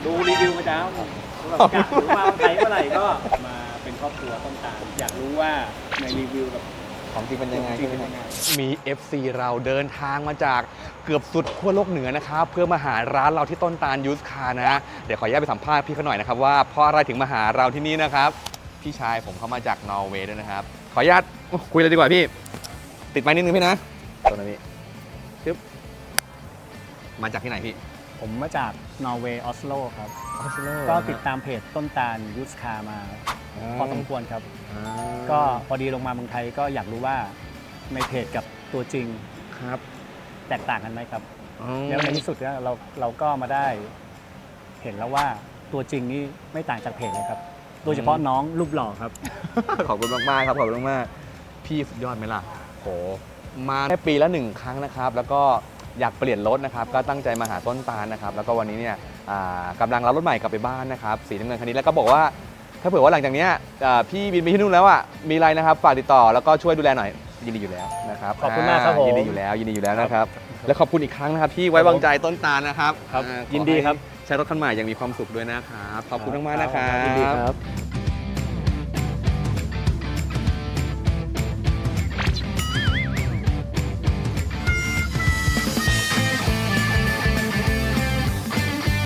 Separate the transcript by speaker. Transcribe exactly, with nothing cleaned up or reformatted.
Speaker 1: ดูรีวิวประจำแบบอยากรู้ว่าใครเมื่อไหร่ก็มาเป็นครอบครัวต้นตาลอยากรู้ว่าในรีวิวกับ
Speaker 2: ของจริงเป็นยังไง
Speaker 1: จริงเป็นยังไง
Speaker 2: มี เอฟ ซี เราเดินทางมาจากเกือบสุดขั้วโลกเหนือนะครับเพื่อมาหาร้านเราที่ต้นตาลยูสคาร์นะเดี๋ยวขออนุญาตไปสัมภาษณ์พี่เขาหน่อยนะครับว่าเพราะอะไรถึงมาหาเราที่นี่นะครับพี่ชายผมเขามาจากนอร์เวย์ด้วยนะครับขออนุญาตคุยเลยดีกว่าพี่ติดไม้นิดนึงพี่นะตัวนี้ปึ๊บมาจากที่ไหนพี่
Speaker 1: ผมมาจากนอร์เวย์ออสโลครับ
Speaker 2: ออสโล
Speaker 1: ก็ติดตามเพจต้นตาลยูสคามาพอสมควรครับ ก็พอดีลงมาเมืองไทยก็อยากรู้ว่าในเพจกับตัวจริง
Speaker 2: ครับ
Speaker 1: แตกต่างกันไหมครับแล้วในที่สุดเนี่ยเราเราก็มาได้เห็นแล้วว่าตัวจริงนี่ไม่ต่างจากเพจเลยครับ โดยเฉพาะน้องรูปหล่อครับ
Speaker 2: ขอบคุณมากๆครับขอบคุณมากๆพี่สุดยอดไหมล่ะโหมาแค่ปีละหนึ่งครั้งนะครับแล้วก็อยากเปลี่ยนรถนะครับก็ตั้งใจมาหาต้นตาลนะครับแล้วก็วันนี้เนี่ยอ่ากำลังรับรถใหม่กลับไปบ้านนะครับสีน้ำเงินคันนี้แล้วก็บอกว่าถ้าเผื่อว่าหลังจากเนี้ยอ่าพี่บินไปที่นู่นแล้วอ่ะมีอะไรนะครับฝากติดต่อแล้วก็ช่วยดูแลหน่อยยินดีอยู่แล้วนะครับ
Speaker 1: ขอบคุณมากครับผม
Speaker 2: ยินดีอยู่แล้วยินดีอยู่แล้วนะครับและขอบคุณอีกครั้งนะครับที่ไว้วางใจต้นตาลนะครับ
Speaker 1: ครับ
Speaker 2: อ่าขอ
Speaker 1: ยินดีครับ
Speaker 2: ให้ใช้รถคันใหม่อย่างมีความสุขด้วยนะครับขอบคุณมากๆนะครับ
Speaker 1: ยินดีครับ